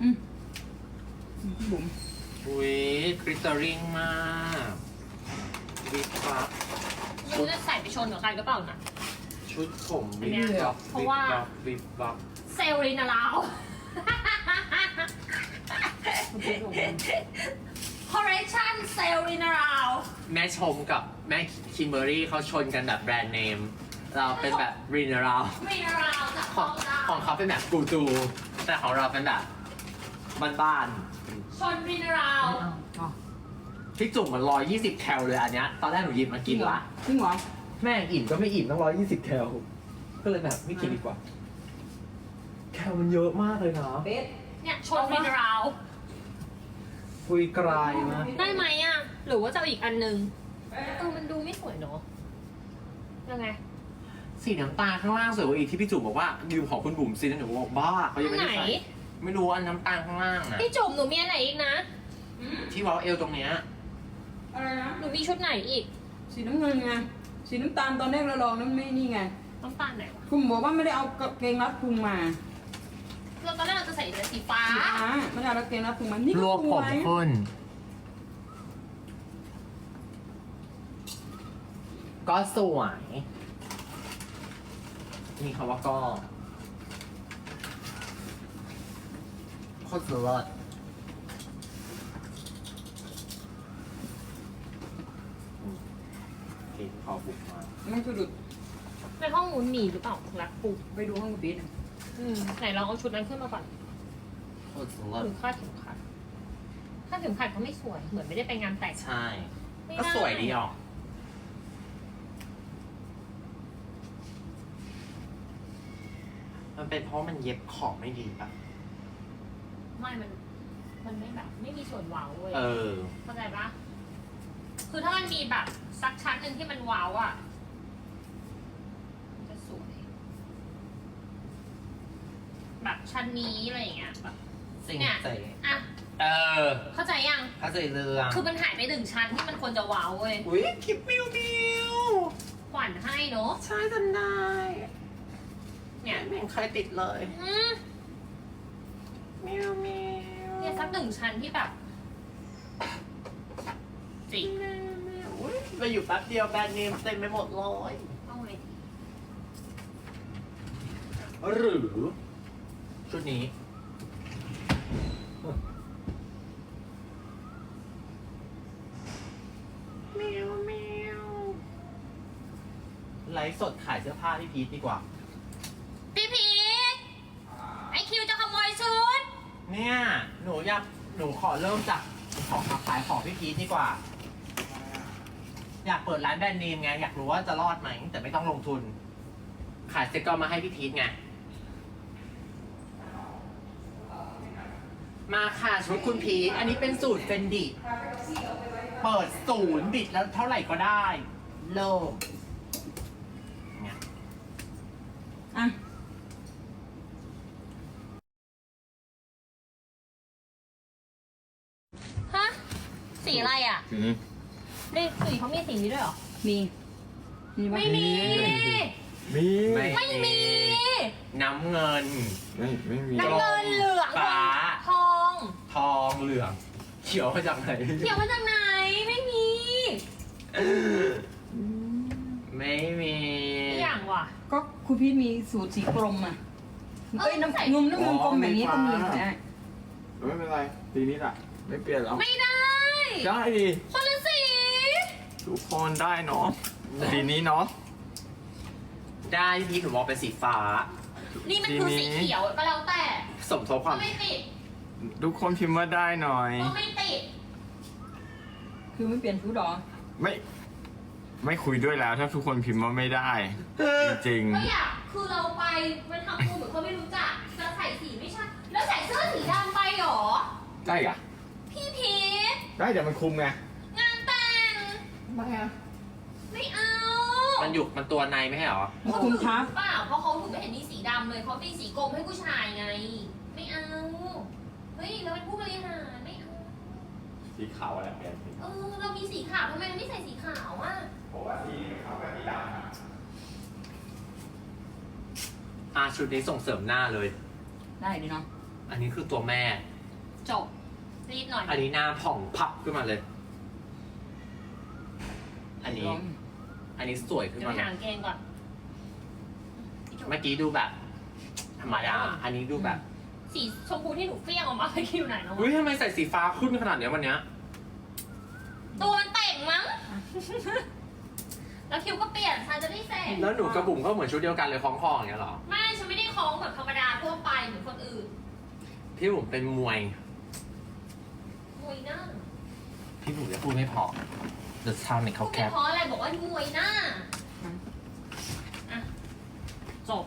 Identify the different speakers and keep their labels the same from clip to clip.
Speaker 1: บุ๋ม
Speaker 2: อุ้ยกริตเตอริงมากวิบวับ
Speaker 3: ไม่รู้จะใส่ไปชนกับใครก็เปล่านะ
Speaker 2: ชุดผมวิบวับ
Speaker 3: เพราะว่า
Speaker 2: วิบวับ
Speaker 3: เซลลินาลาวคอลเลคชั่นเซลลินาลาว
Speaker 2: แม่ชมกับแม่คิมเบอรี่เขาชนกันแบบแบรนด์เนม เราเป็นแบบรีนารา
Speaker 3: รีนาลาวจาก
Speaker 2: ของเขาเป็นแบบกูตู แต่ของเราเป็นแบบบ้าน
Speaker 3: ชนรีนาลาว
Speaker 2: ๆพี่จุ่มมัน120แคลเลยอันเนี้ยตอนแรกหนูหยิบมากินละ
Speaker 1: จริงเหรอ
Speaker 2: แม่งอิ่มก็ไม่อิ่มต้อง120แคลก็เลยแบบไม่กินดีกว่า แคลมันเยอะมากเลยนะ
Speaker 1: เบส
Speaker 3: เนี่ยชนรีนาลาว
Speaker 2: คุยกลายมาก
Speaker 3: ได้ไหมอ่ะ หรือว่าจะเอาอีกอันนึงมันดูไม่สวยเนาะยังไง
Speaker 2: สีน้ำตาลข้างล่างสวยกว่าอีกที่พี่จุ๋มบอกว่ายืมของคุณบุ๋มซิแล้วหนูบอกบ้าเขายังไม่ได้
Speaker 3: อันไหน
Speaker 2: ใส่ไม่รู้อันน้ำตาลข้างล่างนะ
Speaker 3: พี่จุ๋มหนูมีอันไหนอีกนะ
Speaker 2: ที่เว้าเอวตรงเนี้ย
Speaker 1: อะไรนะ
Speaker 3: หนูมีชุดไหนอีก
Speaker 1: สีน้ำเงินไงสีน้ำตาลตอนแรกเราลองนั้นไม่นี่ไง
Speaker 3: ต้องตาลไหนวะ
Speaker 1: คุณบอกว่าไม่ได้เอากางเกงรัดพุงมา
Speaker 3: เราตอนแรกเราจะใส่แต่สีฟ้า
Speaker 1: สีฟ้าไม่ได้เอากางเกงรัดพุงมานี่
Speaker 2: ร
Speaker 1: ก็
Speaker 2: วบ
Speaker 1: ส
Speaker 2: ผ
Speaker 1: ว
Speaker 2: ม
Speaker 1: ย
Speaker 2: ขึ้น ก็สวยมีคำว่าก็โคตรเลิศเห็นพอบุกมา
Speaker 1: มันสะดุด
Speaker 3: ในห้องนู้นมีหรือเปล่ารักปู
Speaker 1: ไปดูห้องเบสอะ
Speaker 3: ไหนลองเอาชุดนั้นขึ้นมาก่อน
Speaker 2: โคตรเลิศ
Speaker 3: หรือคาดเข็มขัดคาดเข็มขัดก็ไม่สวย เหมือนไม่ได้ไปงานแต่ง
Speaker 2: ใช่
Speaker 3: ไม่
Speaker 2: ก็
Speaker 3: ได้
Speaker 2: สวยดีออกมันเป็นเพราะมันเย็บของไม่ดีปะ
Speaker 3: ไม่มันไม่แบบไม่มีส่วนเว้าเว้ย
Speaker 2: เออ
Speaker 3: เข้าใจปะคือถ้ามันมีแบบสักชั้นหนึ่งที่มันเว้าอ่ะมันจะสวย แบบชั้นนี้อะไรอย่างเงี้ยแบบ
Speaker 2: สิ่ง
Speaker 3: เนี่ย
Speaker 2: ใจ
Speaker 3: อ่ะ
Speaker 2: เออ
Speaker 3: เข้าใจยัง
Speaker 2: เข้าใจเรื่อง
Speaker 3: คือมันหายไปหนึ่งชั้นที่มันควรจะเว้าเว้ย
Speaker 2: อุ้ยคลิปมิวมิว
Speaker 3: ขวัญให้เนาะ
Speaker 2: ใช่จำได้
Speaker 3: เนี่ย
Speaker 2: ไม่เห็นใครติดเลย
Speaker 3: อืม
Speaker 2: มิวมิว
Speaker 3: เนี่ยสักหนึ่งชั้นที่แบบจิก
Speaker 2: อุ้ยมาอยู่แป๊บเดียวแบรนด์เนมเต็มไปหมดเลย
Speaker 3: เอาเลย
Speaker 2: หรือชุดนี้มิวมิวไลฟ์สดขายเสื้อผ้าพี่พีทดีกว่า
Speaker 3: พี่พีทไอคิวจะขโมยชุด
Speaker 2: เนี่ยหนูขอเริ่มจากของขายของพี่พีทดีกว่า อยากเปิดร้านแบรนด์เนมไง อยากรู้ว่าจะรอดไหม แต่ไม่ต้องลงทุน ขายสเต็กเกอร์มาให้พี่พีทไง มาค่ะชุดคุณพีทอันนี้เป็นสูตรเฟนดิเปิด0 บิดแล้วเท่าไหร่ก็ได้เริ่มเนี่ย
Speaker 1: อ่ะ
Speaker 3: ฮะ สีอะไรอ่ะนี่สีเขามีสีนี้ด้วยเหรอ
Speaker 1: มีมีปะ
Speaker 3: ไม่มี
Speaker 4: มี
Speaker 3: ไม่มี
Speaker 2: น้ำเงิน
Speaker 4: ไม่มี
Speaker 3: น้ำเงินเหลือง
Speaker 2: ฟ้า
Speaker 3: ทอง
Speaker 2: ทองเหลือง เขียวมาจากไหน
Speaker 3: เขียวมาจากไหน ไม่มี
Speaker 2: ไม่มี
Speaker 3: อีกอย่างว่ะ
Speaker 1: ก็คุณพี่มีสูตรสีกลมอ่ะเอ้ยน้ำเงินน้ำเงินกลมแบบนี้ก็มีได้
Speaker 4: ไม่เป็นไรสีนี้แหละไม่เปลี่ยนหรอก
Speaker 3: ไม่ได้
Speaker 4: ได้ดิ
Speaker 3: คนละสี
Speaker 4: ทุกคนได้เนาะสีนี้เนาะ
Speaker 2: ได้พี่หนูมองเป็นสีฟ้า
Speaker 3: นี่มันคือสีเขียวก็แล้วแต่
Speaker 2: สมทบค
Speaker 3: ก็
Speaker 2: วาม
Speaker 3: ไม่ติด
Speaker 4: ทุกคนพิมพ์ว่าได้หน่อย
Speaker 3: ก็ไม่ติด
Speaker 1: คือไม่เปลี่ยนชุดหรอ
Speaker 4: ไม่คุยด้วยแล้ว ถ้าทุกคนพิมพ์ว่าไม่ได้ จริง
Speaker 3: ก็อยากคือเราไปมันทำตัวเหมือนเขาไม่รู้จักจะใส่สีไม่ใช่ แล้วใส่เสื้อสีดำไปเหรอ
Speaker 4: ๆได้อะ
Speaker 3: พี่พีท
Speaker 4: ได้เดี๋ยวมันคุมไง
Speaker 3: งานแต่ง
Speaker 1: ไม่อะ
Speaker 3: ไม่เอา
Speaker 2: มันตัวในไม่ใช่เหรอ
Speaker 1: คุณครับ
Speaker 3: เปล่าเพราะเขาถึงไม่เห็นมีสีดำเลยเขามีสีกรมให้ผู้ชายไง ไม่เอา เฮ้ยเราเป็นผู้บริหารไม่เอา
Speaker 4: สีขาวอะไรเปลี่ยนสี
Speaker 3: เรามีสีขาวทำไมเราไม่ใส่สีขาวอ่ะ
Speaker 4: เพราะว่าสีขาวกับสีดำ
Speaker 2: ชุดนี้ส่งเสริมหน้าเลย
Speaker 1: ได้ดิเนาะ
Speaker 2: อันนี้คือตัวแม่
Speaker 3: จบรีบหน่อย
Speaker 2: อันนี้หน้าผ่องพับขึ้นมาเลย อันนี้ อันนี้สวยขึ้น
Speaker 3: เดี๋ยว
Speaker 2: มา
Speaker 3: ไป
Speaker 2: เลย
Speaker 3: หางเกงก่อน
Speaker 2: เมื่อกี้ดูแบบ ธรรมดา อันนี้ดูแบบ
Speaker 3: สีชมพูที่หนูเฟี้ยงออกมาเมื่อกี้อยู่ไหนเนาะ
Speaker 2: อุ้ยทำไมใส่สีฟ้าขึ้นขนาดเนี้ยวันเนี้ย
Speaker 3: ตัวมันแต่งมั้ง แล้วคิวก็เปลี่ยนฉันจะได้เสร็จ
Speaker 2: แล้วหนูกระบุ๋มก็เหมือนชุดเดียวกันเลยคล้องคออย่างเงี้ยเหรอ
Speaker 3: ไม่ ฉันไม่ได้คล้องแบบธรรมดาทั่วไปเหมือนคนอื่น
Speaker 2: พี่บุ๋มเป็นมวย
Speaker 3: มวยหน้า
Speaker 2: พี่บุ๋มจะพูดไม่พอ The Sound เนี่ยเขาแค
Speaker 3: ไม่
Speaker 2: ป
Speaker 3: เพราะอะไรบอกว่ามวยหน้าอ่ะจบ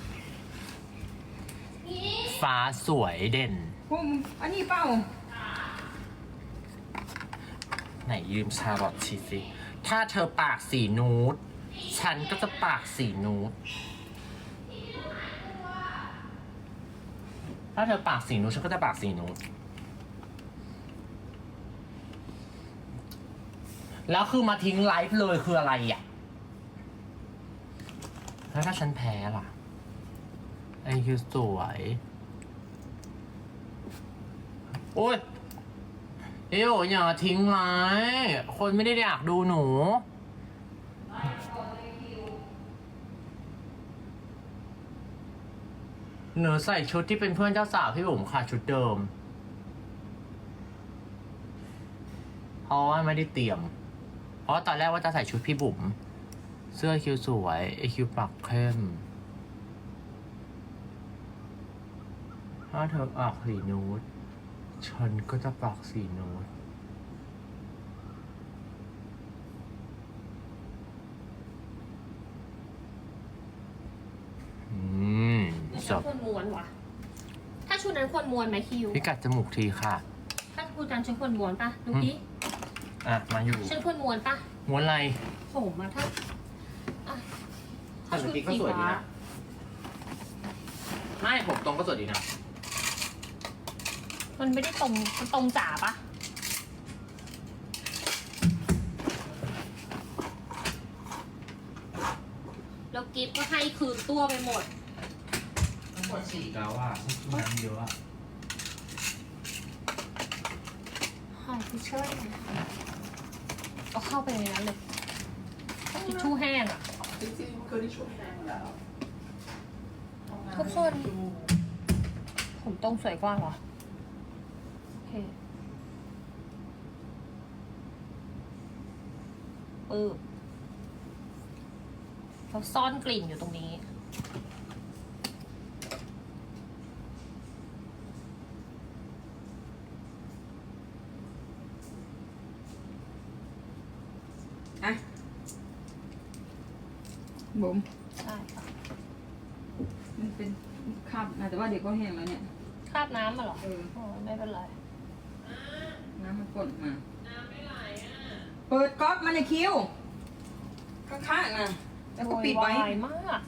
Speaker 3: นี่
Speaker 2: ฟ้าสวยเด่น
Speaker 1: พวกมึงอันนี้เปล่า
Speaker 2: ไหนยืมชาลอตชีสิ ถ้าเธอปากสีนูดฉันก็จะปากสีนูดถ้าเธอปากสีนูดฉันก็จะปากสีนูดแล้วคือมาทิ้งไลฟ์เลยคืออะไรอ่ะ แล้วถ้าฉันแพ้ล่ะไอคิวสวย โอ้ยเอ้ยอย่าทิ้งไลฟ์คนไม่ได้อยากดูหนู หนูใส่ชุดที่เป็นเพื่อนเจ้าสาวพี่บุ๋มค่ะชุดเดิม เพราะว่าไม่ได้เตรียม เพราะตอนแรกว่าจะใส่ชุดพี่บุ๋มเสื้อคิวสวยไอคิวปากเข้มถ้าเธอออกสีนูดฉันก็จะปากสีนูดจ
Speaker 3: ฉัน
Speaker 2: บ
Speaker 3: ควรม้วนวะถ้าชุดนั้นควรม้วนไหมคิว
Speaker 2: พิกัดจมูกทีค่ะ
Speaker 3: ถ้าชุดนั้นฉันควรม้วนปะดูดิ
Speaker 2: อ่ะ มาอยู่
Speaker 3: ฉันควรม้วนปะ
Speaker 2: ม้วนอะไร
Speaker 3: ผมอะถ้าอ่ะ
Speaker 2: แต่เมื่อกี้ก็สวยดีนะ ไม่ผมตรงก็สวยดีนะ
Speaker 3: มันไม่ได้ตรงมันตรงจ๋าปะแล้วกิฟต์ก็ให้คืนตัวไปหมด
Speaker 2: ทั้งหมดสี่แล้วอ่ะฉันกินน้ำเยอะอ่ะ
Speaker 3: หายทิชชู่เอาเข้าไปในนั้นเลยทิชชู่แห้งอ่ะ
Speaker 2: จริงๆคือที่ช่วยแห้งแล้ว
Speaker 3: ทุกคน ผมตรงสวยกว่าเหรอ โอเคปึ๊บเราซ่อนกลิ่นอยู่ตรงนี้
Speaker 1: อ่ะบุ๋ม
Speaker 3: ใช่ค่ะ
Speaker 1: มันเป็นคราบนะแต่ว่าเดี๋ยวก็แห้งแล้วเนี่ย
Speaker 3: คราบน้ำมาเหรอ
Speaker 1: เออ
Speaker 3: โอ้ไม่เป็นไร
Speaker 1: น้ำมันป่นมาเปิดก๊อกมันในคิวข้างๆนะแล้วก็ปิดไว้
Speaker 3: โวยวายมาก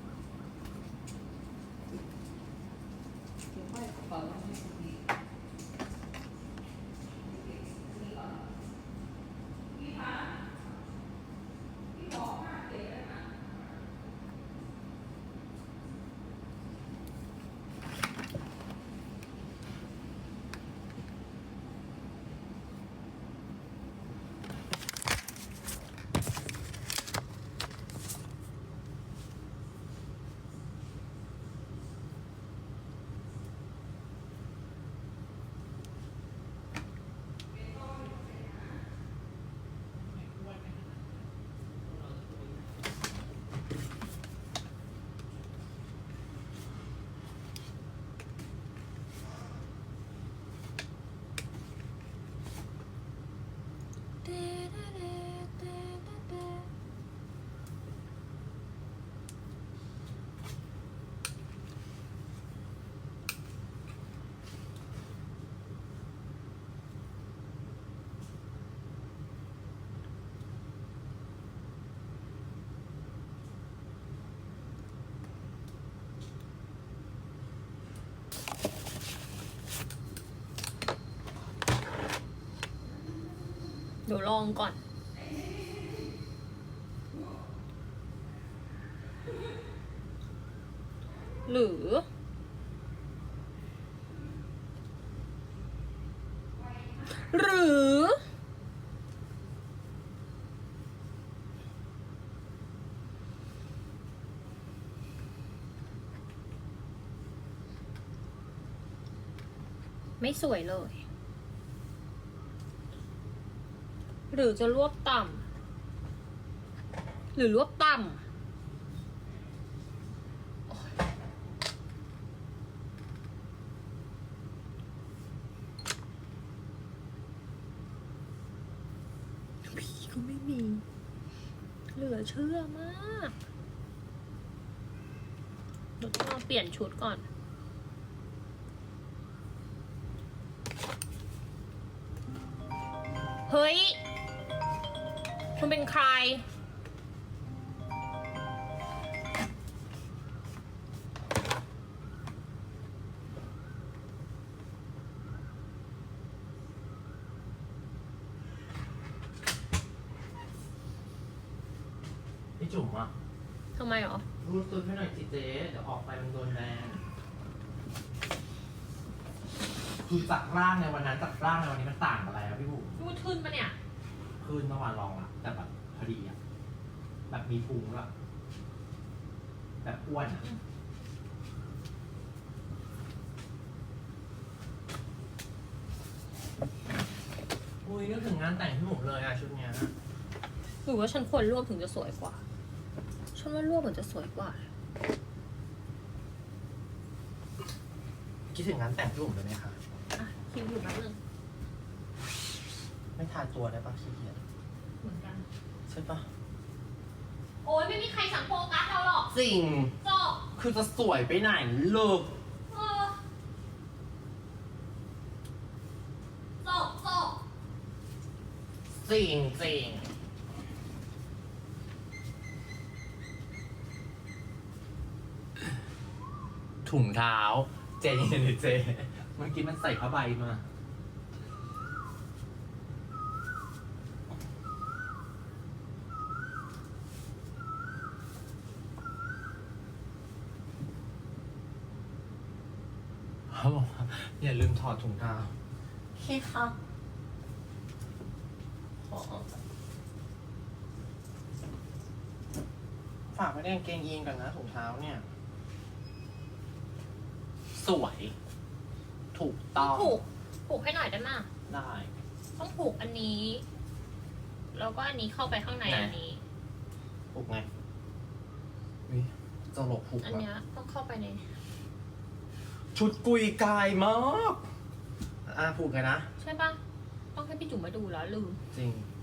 Speaker 3: เดี๋ยวลองก่อน หรือหรือไม่สวยเลย หรือจะรวบต่ำหรือรวบต่ำโอ๊ยพี่ก็ไม่มี เหลือเชื่อมากเดี๋ยวต้องลองเปลี่ยนชุดก่อน เฮ้ย คุณเป็นใคร
Speaker 2: พี่จุ๋มอ่ะ
Speaker 3: ทำไมหรอ
Speaker 2: รูดซุดให้หน่อยสิเจ๊เดี๋ยวออกไปมันโดนแบนคือจากร่างในวันนั้นจากร่างในวันนี้มันต่างกันอะไรอะพี่บุ๋ม
Speaker 3: รูดขึ้นปะเนี่ย
Speaker 2: คืนเมื่อวานลองละแต่แบบพอดีอะแบบมีพุงแล้วแบบอ้วนอะอุ้ยนึกถึงงานแต่งพี่บุ๋มเลยอะชุดเนี้ย
Speaker 3: หรือว่าฉันควรรวบถึงจะสวยกว่า ฉันว่ารวบถึงจะสวยกว่า
Speaker 2: คิดถึงงานแต่งพี่บุ๋มเลยไหมคะ
Speaker 3: อ่ะ คิวอยู่แป๊บนึง
Speaker 2: ไม่ทาตัวได้ปะขี้เกียจ
Speaker 3: เหมือนกัน
Speaker 2: ใช่ปะ
Speaker 3: โอ้ยไม่มีใครสั่งโฟกัสเราหรอก
Speaker 2: จริง
Speaker 3: จบ
Speaker 2: คือจะสวยไปไหนเลิก
Speaker 3: เออจบ
Speaker 2: จริงจริงถุงเท้า เจนเจเมื่อกี้มันใส่ผ้าใบมาเขาบอกว่าอย่าลืมถอดถุงเท้าโอเคค่ะฝากไว้ในกางเกงยีนก่อนนะถุงเท้าเนี่ย สวย ถูกต้อง
Speaker 3: ผูกให้หน่อยได้ไหมย
Speaker 2: ได้
Speaker 3: ต้องผูกอันนี้ แล้วก็อันนี้เข้าไปข้างใน
Speaker 2: ไหน
Speaker 3: อันนี้
Speaker 2: ผูกไงวิจะหลบผูก
Speaker 3: อัน
Speaker 2: แบบ
Speaker 3: เนี้ยต้องเข้าไปใน
Speaker 2: ชุดกุยกายมาก ผูกไงนะ
Speaker 3: ใช่ปะต้องให้พี่จุ๋มมาดูแล้วลืม
Speaker 2: จริง